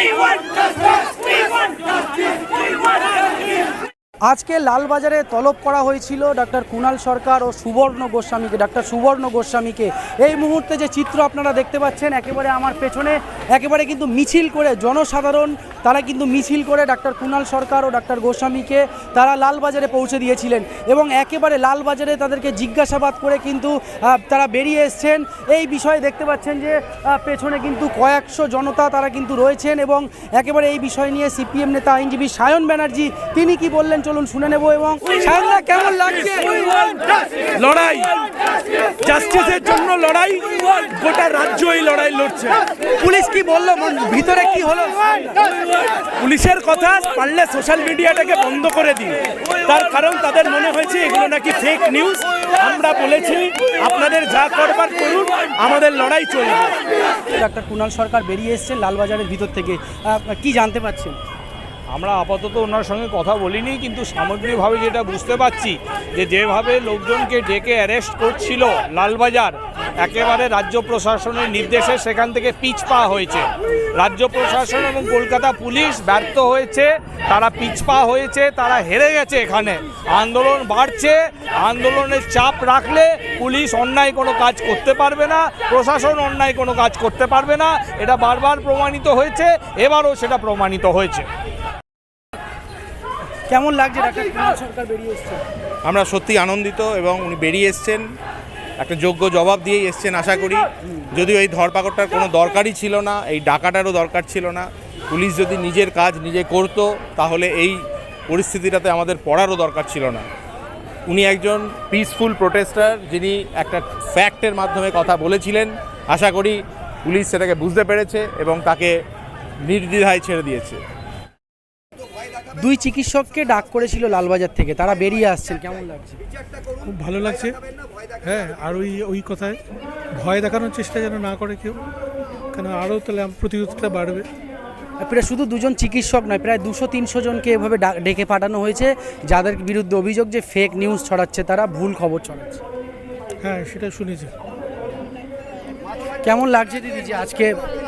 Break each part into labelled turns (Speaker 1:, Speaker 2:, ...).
Speaker 1: আজকে লালবাজারে তলব করা হয়েছিল ডক্টর কুণাল সরকার ও সুবর্ণ গোস্বামীকে, ডক্টর সুবর্ণ গোস্বামীকে। এই মুহূর্তে যে চিত্র আপনারা দেখতে পাচ্ছেন একেবারে আমার পেছনে, একেবারে কিন্তু মিছিল করে জনসাধারণ তারা কিন্তু মিছিল করে ডক্টর কুণাল সরকার ও ডক্টর গোস্বামীকে তারা লালবাজারে পৌঁছে দিয়েছিলেন এবং একেবারে লালবাজারে তাদেরকে জিজ্ঞাসাবাদ করে কিন্তু তারা বেরিয়ে এসছেন। এই বিষয়ে দেখতে পাচ্ছেন যে পেছনে কিন্তু কয়েকশো জনতা তারা কিন্তু রয়েছেন এবং একেবারে এই বিষয় নিয়ে সিপিএম নেতা আইনজীবী সায়ন ব্যানার্জি তিনি কি বললেন চলুন শুনে নেব। এবং সায়নদা কেমন লাগছে?
Speaker 2: লড়াই, জাস্টিসের জন্য লড়াই, গোটা রাজ্য এই লড়াই লড়ছে।
Speaker 1: পুলিশ কি বললো, ভিতরে কি হলো?
Speaker 2: পুলিশের কথা পারলে সোশ্যাল মিডিয়াটাকে বন্ধ করে দিন, তার কারণ তাদের মনে হয়েছে এগুলো নাকি ফেক নিউজ। আমরা বলেছি আপনাদের যা করবার করুন, আমাদের লড়াই চলবে।
Speaker 1: ডক্টর কুণাল সরকার বেরিয়ে এসেছেন লালবাজারের ভিতর থেকে, কি জানতে পারছেন?
Speaker 3: আমরা আপাতত ওনার সঙ্গে কথা বলিনি, কিন্তু সামগ্রিকভাবে যেটা বুঝতে পারছি যে যেভাবে লোকজনকে ডেকে অ্যারেস্ট করছিল লালবাজার, একেবারে রাজ্য প্রশাসনের নির্দেশে সেখান থেকে পিছপা হয়েছে। রাজ্য প্রশাসন এবং কলকাতা পুলিশ ব্যর্থ হয়েছে, তারা পিছপা হয়েছে, তারা হেরে গেছে। এখানে আন্দোলন বাড়ছে, আন্দোলনের চাপ রাখলে পুলিশ অন্যায় কোনো কাজ করতে পারবে না, প্রশাসন অন্যায় কোনো কাজ করতে পারবে না। এটা বারবার প্রমাণিত হয়েছে, এবারও সেটা প্রমাণিত হয়েছে।
Speaker 1: কেমন লাগছে ডক্টর কুণাল সরকার বেরিয়ে এসেছেন?
Speaker 4: আমরা সত্যি আনন্দিত এবং উনি বেরিয়ে এসছেন একটা যোগ্য জবাব দিয়েই এসছেন আশা করি। যদিও এই ধরপাকড়টার কোনো দরকারই ছিল না, এই ডাকাটারও দরকার ছিল না। পুলিশ যদি নিজের কাজ নিজে করতো তাহলে এই পরিস্থিতিটাতে আমাদের পড়ারও দরকার ছিল না। উনি একজন পিসফুল প্রোটেস্টার, যিনি একটা ফ্যাক্টের মাধ্যমে কথা বলেছিলেন। আশা করি পুলিশ সেটাকে বুঝতে পেরেছে এবং তাকে নির্দ্বিধায় ছেড়ে দিয়েছে।
Speaker 1: দুই চিকিৎসককে ডাক করেছিল লালবাজার থেকে, তারা বেরিয়ে আসছেন, কেমন লাগছে?
Speaker 5: খুব ভালো লাগছে। হ্যাঁ, আর ওই কথায় ভয় দেখানোর চেষ্টা যেন না করে কেউ, কেন আরও তাহলে প্রতিরোধটা বাড়বে।
Speaker 1: প্রায় শুধু দুজন চিকিৎসক নয়, প্রায় 200-300 জনকে এভাবে ডেকে পাঠানো হয়েছে যাদের বিরুদ্ধে অভিযোগ যে ফেক নিউজ ছড়াচ্ছে, তারা ভুল খবর ছড়াচ্ছে।
Speaker 5: হ্যাঁ, সেটা শুনেছি।
Speaker 1: কেমন লাগছে দিদি যে আজকে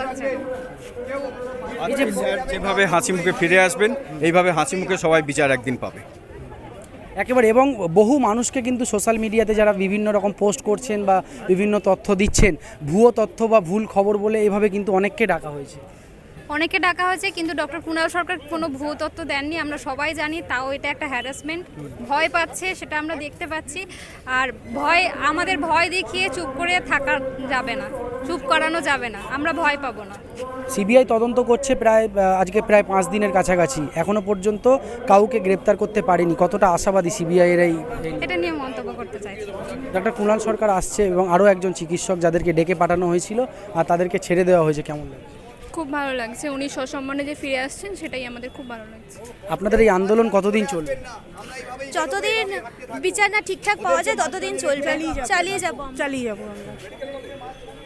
Speaker 6: যেভাবে হাসি মুখে ফিরে আসবেন, এইভাবে হাসি মুখে সবাই বিচার একদিন পাবে
Speaker 1: একেবারে। এবং বহু মানুষকে কিন্তু সোশ্যাল মিডিয়াতে যারা বিভিন্ন রকম পোস্ট করছেন বা বিভিন্ন তথ্য দিচ্ছেন, ভুয়ো তথ্য বা ভুল খবর বলে এভাবে কিন্তু অনেককে ডাকা হয়েছে।
Speaker 7: কিন্তু ডক্টর কুণাল সরকার কোনো ভুয়ো তথ্য দেননি, আমরা সবাই জানি। তাও এটা একটা হ্যারাসমেন্ট, ভয় পাচ্ছে সেটা আমরা দেখতে পাচ্ছি। আর আমাদের ভয় দেখিয়ে চুপ করে থাকা যাবে না, চুপ করানো যাবে না, আমরা ভয় পাবো না।
Speaker 1: সিবিআই তদন্ত করছে আজকে প্রায় 5 দিনের কাছাকাছি, এখনো পর্যন্ত কাউকে গ্রেপ্তার করতে পারেনি। কতটা আশাবাদী সিবিআইয়ের
Speaker 7: এটা নিয়ে মন্তব্য করতে চাইছি।
Speaker 1: ডক্টর কুণাল সরকার আসছে এবং আরও একজন চিকিৎসক যাদেরকে ডেকে পাঠানো হয়েছিল আর তাদেরকে ছেড়ে দেওয়া হয়েছে, কেমন লাগছে?
Speaker 7: খুব ভালো লাগছে, উনি সসম্মানে যে ফিরে আসছেন সেটাই আমাদের খুব ভালো লাগছে।
Speaker 1: আপনাদের এই আন্দোলন কতদিন চলবে?
Speaker 8: যতদিন বিচার না ঠিকঠাক পাওয়া যায় ততদিন চলবে, চালিয়ে যাব আমরা।